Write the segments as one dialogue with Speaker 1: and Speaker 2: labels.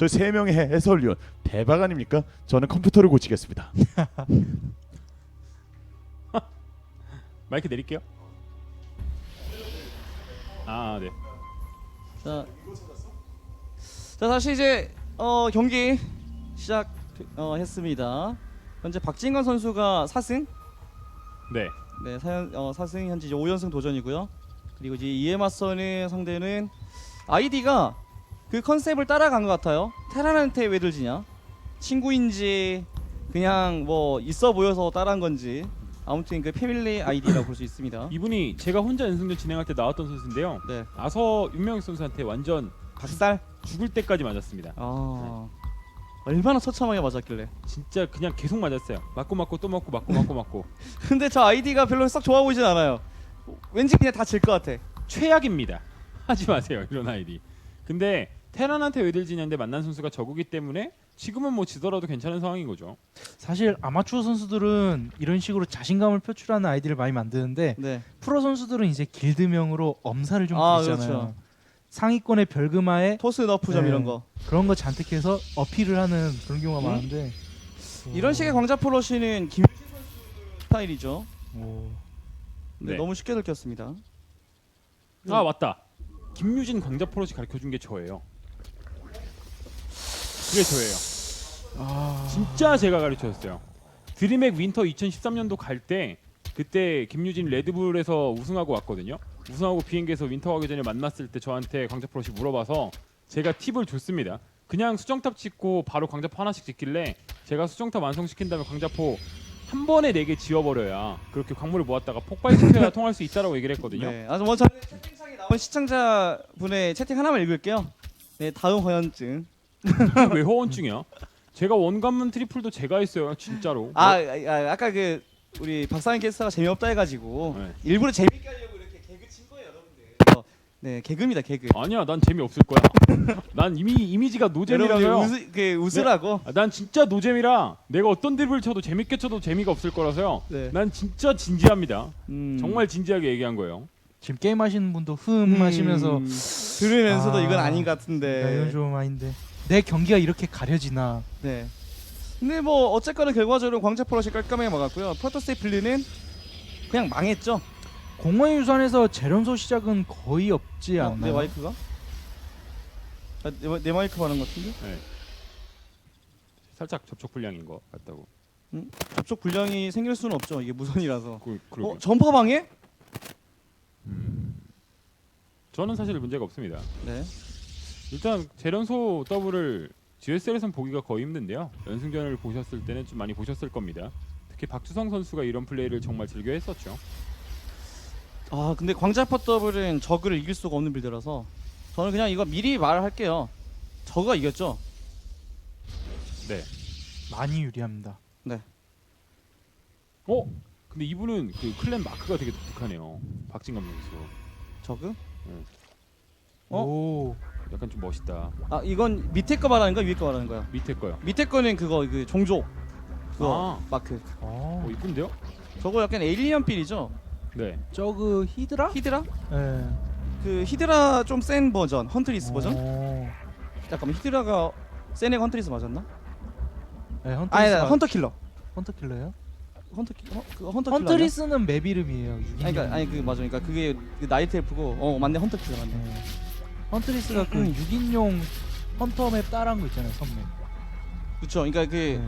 Speaker 1: 저희 세 명의 해설위원 대박 아닙니까? 저는 컴퓨터를 고치겠습니다.
Speaker 2: 마이크 내릴게요. 아, 네.
Speaker 3: 자, 다시 이제 경기 시작했습니다. 현재 박진건 선수가 4승,
Speaker 2: 네.
Speaker 3: 네, 4승 현재 이제 5연승 도전이고요. 그리고 이제 이에 맞서는 상대는 아이디가 그 컨셉을 따라간 것 같아요. 테란한테 왜 들지냐? 친구인지 그냥 뭐 있어 보여서 따라한 건지 아무튼 그 패밀리 아이디라고 볼 수 있습니다.
Speaker 2: 이분이 제가 혼자 연승전 진행할 때 나왔던 선수인데요.
Speaker 3: 네,
Speaker 2: 아서 윤명익 선수한테 완전
Speaker 3: 박살.
Speaker 2: 죽을 때까지 맞았습니다.
Speaker 3: 얼마나 처참하게 맞았길래.
Speaker 2: 진짜 그냥 계속 맞았어요. 맞고 또 맞고.
Speaker 3: 근데 저 아이디가 별로 썩 좋아 보이진 않아요. 왠지 그냥 다 질 것 같아.
Speaker 2: 최악입니다. 하지 마세요 이런 아이디. 근데 테란한테 왜 들지냐인데 만난 선수가 저구기 때문에 지금은 뭐 지더라도 괜찮은 상황인 거죠.
Speaker 4: 사실 아마추어 선수들은 이런 식으로 자신감을 표출하는 아이디를 많이 만드는데
Speaker 3: 네.
Speaker 4: 프로 선수들은 이제 길드명으로 엄살을 좀 부리잖아요.
Speaker 3: 그렇죠.
Speaker 4: 상위권의 별금화에
Speaker 3: 토스 너프점
Speaker 4: 네.
Speaker 3: 이런 거.
Speaker 4: 그런 거 잔뜩 해서 어필을 하는 그런 경우가 많은데
Speaker 3: 이런 식의 광자 프로시는 김유진 선수 스타일이죠.
Speaker 4: 오.
Speaker 3: 네,
Speaker 2: 네.
Speaker 3: 너무 쉽게 들켰습니다.
Speaker 2: 아 맞다. 김유진 광자 프로시 가르쳐준 게 저예요. 그게 저예요. 진짜 제가 가르쳐줬어요. 드림액 윈터 2013년도 갈 때 그때 김유진 레드불에서 우승하고 왔거든요. 우승하고 비행기에서 윈터 가기 전에 만났을 때 저한테 광자 프로시 물어봐서 제가 팁을 줬습니다. 그냥 수정탑 짓고 바로 광자포 하나씩 짓길래 제가 수정탑 완성시킨 다음에 광자포 한 번에 4개 지워버려야 그렇게 광물을 모았다가 폭발시켜야 통할 수 있다라고 얘기를 했거든요.
Speaker 3: 네, 아주 먼저 채팅창에 나온 시청자분의 채팅 하나만 읽을게요. 네, 다음 허연증.
Speaker 2: 왜 허언증이야? 제가 원관문 트리플도 제가 했어요, 진짜로.
Speaker 3: 아까 그 우리 박상현 캐스터가 재미없다 해가지고
Speaker 2: 네.
Speaker 3: 일부러 재밌게 하려고 이렇게 개그 친 거예요, 여러분들. 네, 개그입니다, 개그.
Speaker 2: 아니야, 난 재미없을 거야. 난 이미 이미지가 노잼이라서요.
Speaker 3: 여러분들 웃으라고.
Speaker 2: 난 진짜 노잼이라 내가 어떤 드립을 쳐도 재밌게 쳐도 재미가 없을 거라서요.
Speaker 3: 네.
Speaker 2: 난 진짜 진지합니다.
Speaker 3: 음.
Speaker 2: 정말 진지하게 얘기한 거예요.
Speaker 4: 지금 게임 하시는 분도 하시면서
Speaker 3: 들으면서도 이건 아닌 것 같은데.
Speaker 4: 이건 좀 아닌데 내 경기가 이렇게 가려지나.
Speaker 3: 네. 근데 뭐 어쨌거나 결과적으로 광자 프로시 깔끔하게 막았고요. 프로토스의 빌드는 그냥 망했죠.
Speaker 4: 공허의 유산에서 재련소 시작은 거의 없지 않나요?
Speaker 3: 내 마이크가? 내 마이크 받는 것 같은데?
Speaker 2: 네. 살짝 접촉 불량인 것 같다고.
Speaker 3: 접촉 불량이 생길 수는 없죠. 이게 무선이라서.
Speaker 2: 그러게요.
Speaker 3: 전파 방해?
Speaker 2: 저는 사실 문제가 없습니다.
Speaker 3: 네.
Speaker 2: 일단 재련소 더블을 GSL에선 보기가 거의 힘든데요. 연승전을 보셨을 때는 좀 많이 보셨을 겁니다. 특히 박주성 선수가 이런 플레이를 정말 즐겨 했었죠.
Speaker 3: 아 근데 광자포 더블은 저그를 이길 수가 없는 빌드라서 저는 그냥 이거 미리 말할게요. 저그가 이겼죠.
Speaker 2: 네.
Speaker 4: 많이 유리합니다.
Speaker 2: 근데 이분은 그 클랜 마크가 되게 독특하네요. 박진감 선수.
Speaker 3: 저그? 어?
Speaker 4: 오.
Speaker 2: 약간 좀 멋있다.
Speaker 3: 아 이건 밑에 거 말하는 거야, 위에 거 말하는 거야?
Speaker 2: 밑에 거요.
Speaker 3: 밑에 거는 그거 그 종족 그거 마크.
Speaker 2: 이쁜데요?
Speaker 3: 저거 약간 에일리언 빌이죠.
Speaker 2: 네.
Speaker 4: 저그 히드라?
Speaker 3: 히드라?
Speaker 4: 네.
Speaker 3: 그 히드라 좀 센 버전, 헌트리스 버전?
Speaker 4: 오.
Speaker 3: 잠깐만 히드라가 센 애가 헌트리스 맞았나?
Speaker 4: 네,
Speaker 3: 아니 헌터킬러.
Speaker 4: 헌터킬러요?
Speaker 3: 헌터킬러.
Speaker 4: 헌트리스는 맵 이름이에요.
Speaker 3: 아니 그 맞아. 그러니까 그게 그 나이트 엘프고 맞네 헌터킬러 맞네.
Speaker 4: 네. 헌트리스가 그 6인용 헌터 맵 따라한 거 있잖아요, 선맵.
Speaker 3: 그렇죠. 그러니까
Speaker 4: 네.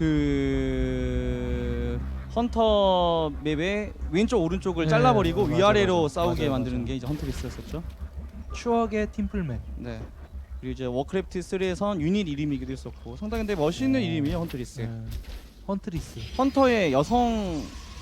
Speaker 3: 그 헌터 맵의 왼쪽 오른쪽을
Speaker 4: 네,
Speaker 3: 잘라버리고
Speaker 4: 맞아,
Speaker 3: 위아래로
Speaker 4: 맞아.
Speaker 3: 싸우게
Speaker 4: 맞아,
Speaker 3: 만드는
Speaker 4: 맞아.
Speaker 3: 게 이제 헌트리스였었죠.
Speaker 4: 추억의 팀플 맵.
Speaker 3: 네. 그리고 이제 워크래프트 3에선 유닛 이름이기도 했었고 상당히 근데 멋있는 이름이에요 헌트리스.
Speaker 4: 네. 헌트리스.
Speaker 3: 헌터의 여성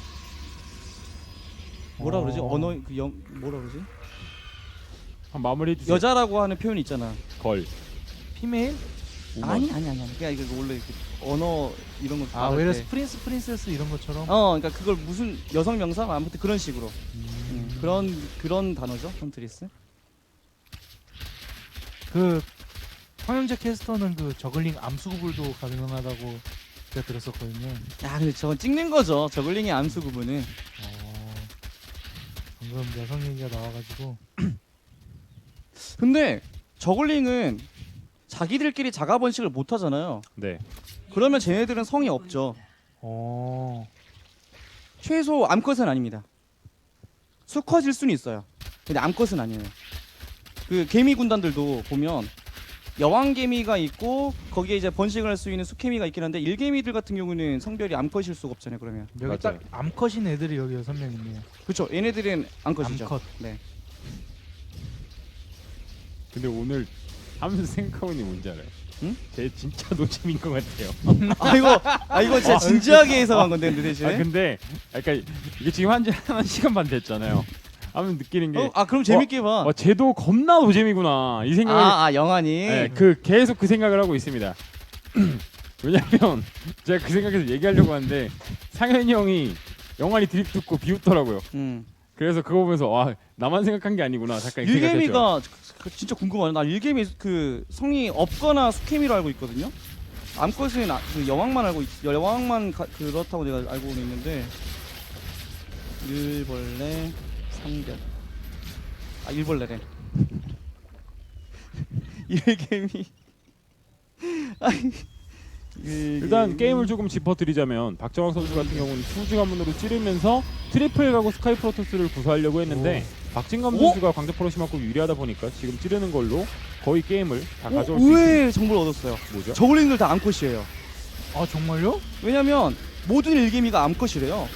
Speaker 3: 뭐라 그러지?
Speaker 4: 어.
Speaker 3: 언어 뭐라 그러지?
Speaker 2: 한 마무리해 주세요.
Speaker 3: 여자라고 하는 표현 있잖아.
Speaker 2: 걸.
Speaker 4: 피메일?
Speaker 3: 아니. 그냥 이거 원래 그 언어 이런 거.
Speaker 4: 아,
Speaker 3: 말할
Speaker 4: 외래
Speaker 3: 때.
Speaker 4: 프린스 프린세스 이런 것처럼.
Speaker 3: 그러니까 그걸 무슨 여성 명사 아무튼 그런 식으로. 그런 단어죠 헌트리스.
Speaker 4: 그 황영재 캐스터는 그 저글링 암수구불도 가능하다고 제가 들었었거든요.
Speaker 3: 야, 근데 저건 찍는 거죠. 저글링의 암수 구분은.
Speaker 4: 방금 여성 얘기가 나와가지고.
Speaker 3: 근데 저글링은 자기들끼리 자가 번식을 못 하잖아요.
Speaker 2: 네.
Speaker 3: 그러면 쟤네들은 성이 없죠.
Speaker 4: 어.
Speaker 3: 최소 암컷은 아닙니다. 수컷일 수는 있어요. 근데 암컷은 아니에요. 그 개미 군단들도 보면 여왕 개미가 있고 거기에 이제 번식을 할 수 있는 수개미가 있긴 한데 일개미들 같은 경우는 성별이 암컷일 수가 없잖아요. 그러면
Speaker 4: 여기
Speaker 2: 맞아요.
Speaker 4: 딱 암컷인 애들이 여기 6명 있네요.
Speaker 3: 그렇죠. 얘네들은 암컷이죠.
Speaker 4: 암컷.
Speaker 3: 네.
Speaker 2: 근데 오늘 하면서 생각하고 있는 게 뭔지 알아요?
Speaker 3: 응?
Speaker 2: 제 진짜 노잼인 것 같아요.
Speaker 3: 이거 진짜 진지하게 해석한 건데 근데 대신에.
Speaker 2: 근데 그러니까 이게 지금 한 시간 반 됐잖아요. 하면 느끼는 게
Speaker 3: 그럼 재밌게 봐.
Speaker 2: 쟤도 겁나 노잼이구나 이 생각을
Speaker 3: 영환이.
Speaker 2: 네, 계속 그 생각을 하고 있습니다. 왜냐면 제가 그 생각에서 얘기하려고 하는데 상현이 형이 영환이 드립 듣고 비웃더라고요. 그래서 그거 보면서 와 나만 생각한 게 아니구나 잠깐 이 생각했죠.
Speaker 3: 일개미가 진짜 궁금하네. 나 일개미 그 성이 없거나 수개미로 알고 있거든요. 암컷은 그 여왕만 여왕만 그렇다고 내가 알고 있는데 일벌레 삼별. 일벌레래. 일개미.
Speaker 2: 일단 게임을 조금 짚어드리자면 박정학 선수 같은 경우는 수주 가문으로 찌르면서 트리플 가고 스카이 프로토스를 구사하려고 했는데 박진감 선수가 광자 포로시만큼 유리하다 보니까 지금 찌르는 걸로 거의 게임을 다 가져올 수 있습니다.
Speaker 3: 의외의 정보를 얻었어요.
Speaker 2: 뭐죠?
Speaker 3: 저글링들 다 암컷이에요.
Speaker 4: 아 정말요?
Speaker 3: 왜냐면 모든 일개미가 암컷이래요.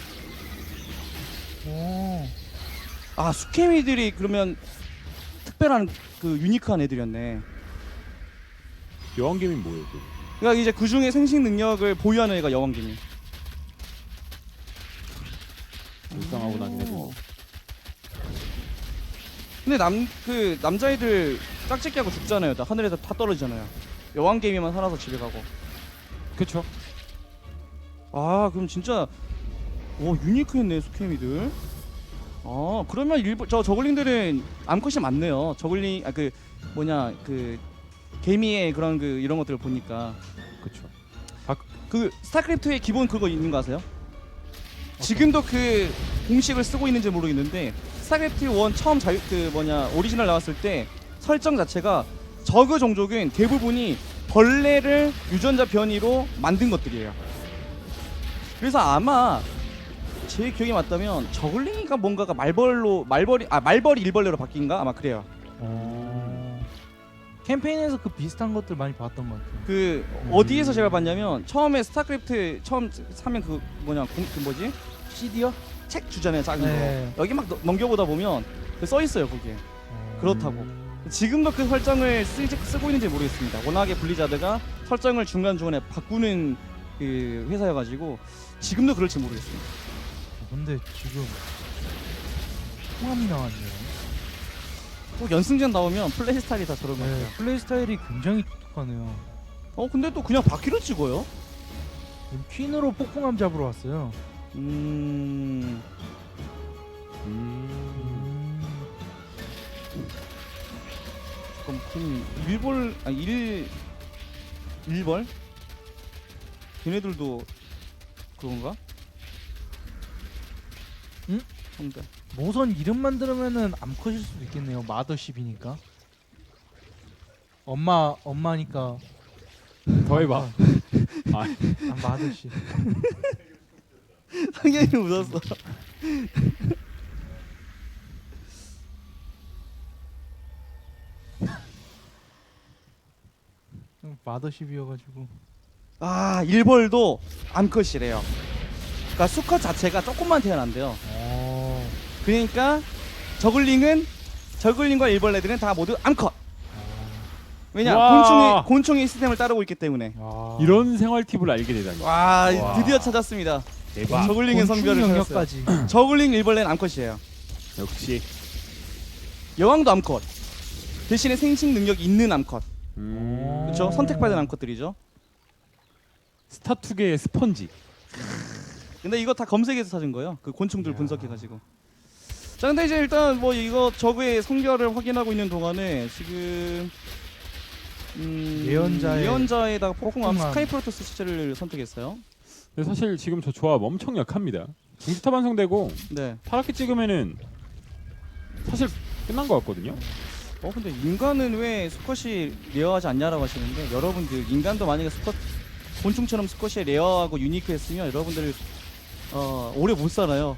Speaker 4: 오.
Speaker 3: 수개미들이 그러면 특별한 그 유니크한 애들이었네.
Speaker 2: 여왕개미 뭐예요?
Speaker 3: 그러니까 이제 그 중에 생식 능력을 보유하는 애가 여왕개미.
Speaker 2: 불쌍하고 나긴 해도.
Speaker 3: 근데 남자애들 짝짓기 하고 죽잖아요. 다 하늘에서 다 떨어지잖아요. 여왕개미만 살아서 집에 가고.
Speaker 2: 그쵸?
Speaker 3: 그럼 진짜 유니크했네 수개미들. 그러면 저글링들은 암컷이 많네요. 저글링 그 개미의 그런 이런 것들을 보니까
Speaker 2: 그쵸.
Speaker 3: 그 스타크래프트에 기본 그거 있는 거 아세요? 지금도 그 공식을 쓰고 있는지 모르겠는데 스타크래프트 1 처음 오리지널 나왔을 때 설정 자체가 저그 종족은 대부분이 벌레를 유전자 변이로 만든 것들이에요. 그래서 아마 제 기억이 맞다면 저글링이가 뭔가가 말벌이 일벌레로 바뀐가 아마 그래요.
Speaker 4: 캠페인에서 그 비슷한 것들 많이 봤던 것 같아요.
Speaker 3: 어디에서 제가 봤냐면 처음에 스타크래프트 처음 사면
Speaker 4: CD요?
Speaker 3: 책 주잖아요 작은
Speaker 4: 네.
Speaker 3: 거. 여기 막 넘겨보다 보면 써 있어요 거기에. 그렇다고. 지금도 그 설정을 쓰고 있는지 모르겠습니다. 워낙에 블리자드가 설정을 중간중간에 바꾸는 그 회사여가지고 지금도 그럴지 모르겠습니다.
Speaker 4: 근데 지금 통함이 나왔네요.
Speaker 3: 또 연승전 나오면 플레이 스타일이 다 저런 것 같아요.
Speaker 4: 플레이 스타일이 굉장히 독특하네요.
Speaker 3: 근데 또 그냥 바퀴로 찍어요?
Speaker 4: 퀸으로 폭풍함 잡으러 왔어요.
Speaker 3: 그럼 일벌? 걔네들도 그건가?
Speaker 4: 응?
Speaker 3: 성대.
Speaker 4: 모선 이름만 들으면은 암컷일 수도 있겠네요. 마더십이니까. 엄마니까.
Speaker 2: 더 해봐.
Speaker 4: 마더십.
Speaker 3: 상현이 웃었어.
Speaker 4: 마더십이어가지고.
Speaker 3: 일벌도 암컷이래요. 그러니까 수컷 자체가 조금만 태어난대요. 그러니까 저글링과 일벌레들은 다 모두 암컷. 왜냐?
Speaker 2: 와.
Speaker 3: 곤충의 시스템을 따르고 있기 때문에.
Speaker 2: 이런 생활 팁을 알게 되다니.
Speaker 3: 와,
Speaker 2: 와.
Speaker 3: 드디어 찾았습니다.
Speaker 2: 대박.
Speaker 3: 저글링의 성별을 찾았어요.
Speaker 4: 영역까지.
Speaker 3: 저글링 일벌레는 암컷이에요.
Speaker 2: 역시.
Speaker 3: 여왕도 암컷. 대신에 생식 능력 있는 암컷.
Speaker 2: 음.
Speaker 3: 그렇죠? 선택받은 암컷들이죠.
Speaker 2: 스타투계의 스펀지.
Speaker 3: 근데 이거 다 검색해서 찾은 거예요. 그 곤충들 분석해가지고. 자, 근데 이제 일단 이거 저그의 성별을 확인하고 있는 동안에 지금 예언자에다가 폭풍함 스카이 프로토스 시체를 선택했어요.
Speaker 2: 근데 사실 지금 저 조합 엄청 약합니다. 중지탑 완성되고
Speaker 3: 네.
Speaker 2: 파랗게 찍으면은 사실 끝난 것 같거든요.
Speaker 3: 근데 인간은 왜 수컷이 레어하지 않냐라고 하시는데 여러분들 인간도 만약에 수컷 곤충처럼 수컷이 레어하고 유니크했으면 여러분들 오래 못 살아요.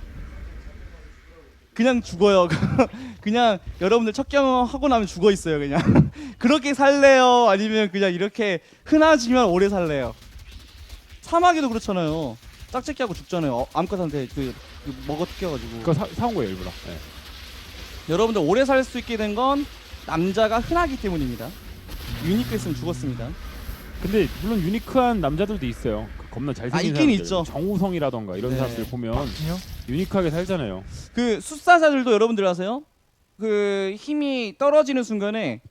Speaker 3: 그냥 죽어요. 그냥 여러분들 첫 경험하고 나면 죽어 있어요. 그냥 그렇게 살래요? 아니면 그냥 이렇게 흔하지만 오래 살래요? 사막에도 그렇잖아요. 짝짓기하고 죽잖아요. 암컷한테 그 먹어 뜯겨가지고.
Speaker 2: 그거 사온 거예요 일부러. 네.
Speaker 3: 여러분들 오래 살 수 있게 된 건 남자가 흔하기 때문입니다. 유니크했으면 죽었습니다.
Speaker 2: 근데 물론 유니크한 남자들도 있어요. 그 겁나 잘생긴
Speaker 3: 있긴
Speaker 2: 사람들,
Speaker 3: 있죠.
Speaker 2: 정우성이라던가 이런
Speaker 3: 네.
Speaker 2: 사람들 보면
Speaker 4: 그냥
Speaker 2: 유니크하게 살잖아요.
Speaker 3: 그 숫사자들도 여러분들 아세요? 그 힘이 떨어지는 순간에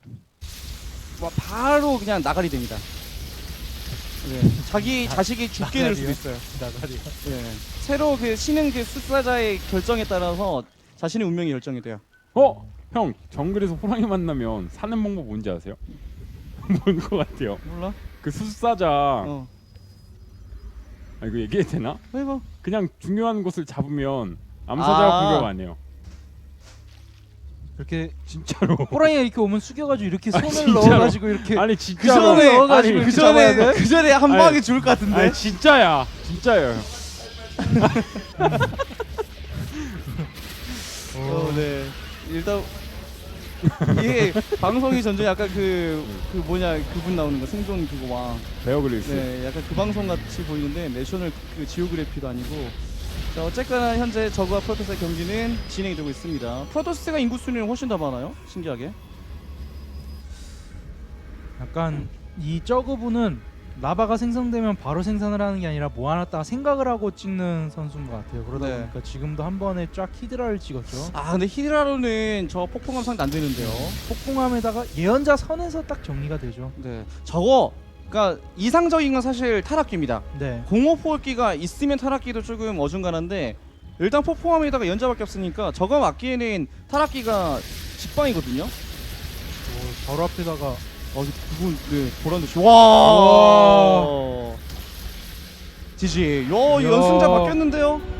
Speaker 3: 바로 그냥 나가리 됩니다. 네. 자기 자식이 죽게 될 수도
Speaker 4: 나가리요?
Speaker 3: 있어요.
Speaker 4: 나가리.
Speaker 3: 네. 새로 그 신은 그 숫사자의 결정에 따라서 자신의 운명이 결정이 돼요.
Speaker 2: 형 정글에서 호랑이 만나면 사는 방법 뭔지 아세요? 뭔 것 같아요?
Speaker 3: 몰라?
Speaker 2: 그 숫사자
Speaker 3: 어.
Speaker 2: 아 이거 얘기해도 되나?
Speaker 3: 해봐.
Speaker 2: 그냥 중요한 곳을 잡으면 암사자가
Speaker 3: 아.
Speaker 2: 공격 안 해요.
Speaker 4: 이렇게
Speaker 2: 진짜로.
Speaker 4: 호랑이가 이렇게 오면 숙여가지고 이렇게 손을
Speaker 2: 진짜로?
Speaker 4: 넣어가지고 이렇게
Speaker 2: 아니
Speaker 3: 그
Speaker 2: 진짜로.
Speaker 3: 전에
Speaker 4: 넣어가지고
Speaker 3: 그
Speaker 4: 이렇게 잡아야
Speaker 3: 전에
Speaker 4: 돼?
Speaker 3: 그 전에 한
Speaker 2: 아니,
Speaker 3: 방에 죽을 것 같은데.
Speaker 2: 아니 진짜야. 진짜예요.
Speaker 3: 네. 일단 이게 방송이 전에 약간 그 뭐냐 그분 나오는 거 생존 그거 와.
Speaker 2: 베어 그릴스.
Speaker 3: 네, 약간 그 방송 같이 보이는데 내셔널 그 지오그래피도 아니고. 자, 어쨌거나 현재 저그와 프로토스의 경기는 진행이 되고 있습니다. 프로토스가 인구 수는 훨씬 더 많아요. 신기하게.
Speaker 4: 약간 이 저그분은 라바가 생성되면 바로 생산을 하는 게 아니라 모아놨다가 생각을 하고 찍는 선수인 것 같아요. 그러다
Speaker 3: 네.
Speaker 4: 보니까 지금도 한 번에 쫙 히드라를 찍었죠.
Speaker 3: 아, 근데 히드라로는 저 폭풍함 상대 안 되는데요.
Speaker 4: 폭풍함에다가 예언자 선에서 딱 정리가 되죠.
Speaker 3: 네. 저거 그러니까 이상적인 건 사실 타락기입니다.
Speaker 4: 네.
Speaker 3: 공허포획기가 있으면 타락기도 조금 어중간한데 일단 폭풍함에다가 연자밖에 없으니까 저거 맞기에는 타락기가 직방이거든요.
Speaker 4: 바로 앞에다가
Speaker 3: 그분 네 보란듯이 와 지지. 요
Speaker 4: 이야.
Speaker 3: 연승자 바뀌었는데요.